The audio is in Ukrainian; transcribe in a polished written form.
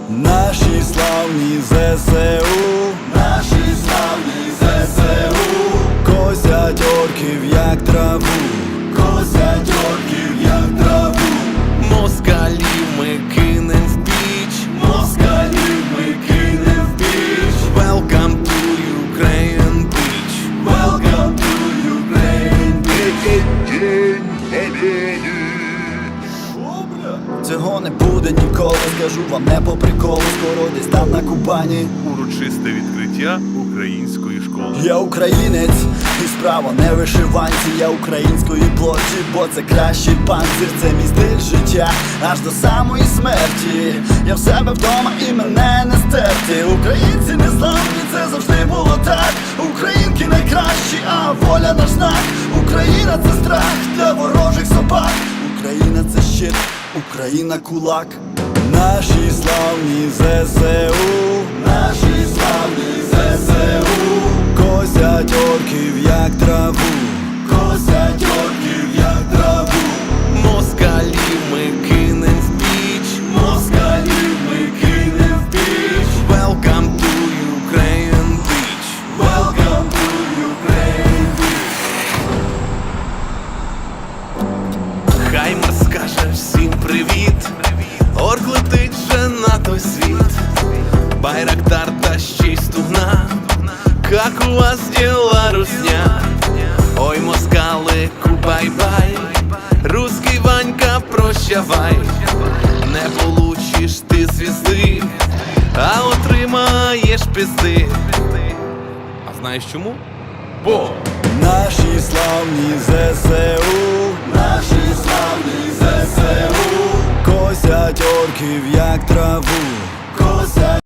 Наші славні ЗСУ, наші славні ЗСУ, косять орків як траву, косять орків як траву. Москалів ми кинем в піч, Москалів ми кинем в піч. Welcome to Ukraine Beach. Welcome to Ukraine Beach. День Побєди. Цього не буде ніколи, скажу вам не по приколу. Скоро десь там на Кубані Урочисте відкриття української школи. я українець, і справа не вишиванці. Я української плоті, бо це кращий панцир. Це мій стиль життя, аж до самої смерті. Я в себе вдома і мене не стерти. Українці не славні, це завжди було так. Українки найкращі, а воля наш знак. Україна це страх для ворожих собак. Україна це щит, Україна кулак. Наші славні ЗСУ, наші славні ЗСУ, косять орків як траву, косять орків як траву. Москалів ми кинем в піч, Москалів ми кинем в піч. Welcome to Ukraine Beach. Welcome to Ukraine Beach. Хаймер скаже всім привіт. Орк летить же на той світ. Байрактар та ще й стугна. Как у вас дела, русня? Ой, москалику, бай-бай. Русский Ванька, прощавай. Не получиш ти звізди, а отримаєш пизди. А знаєш чому? Бо Наші славні ЗСУ, наші славні ЗСУ, косять орків як траву,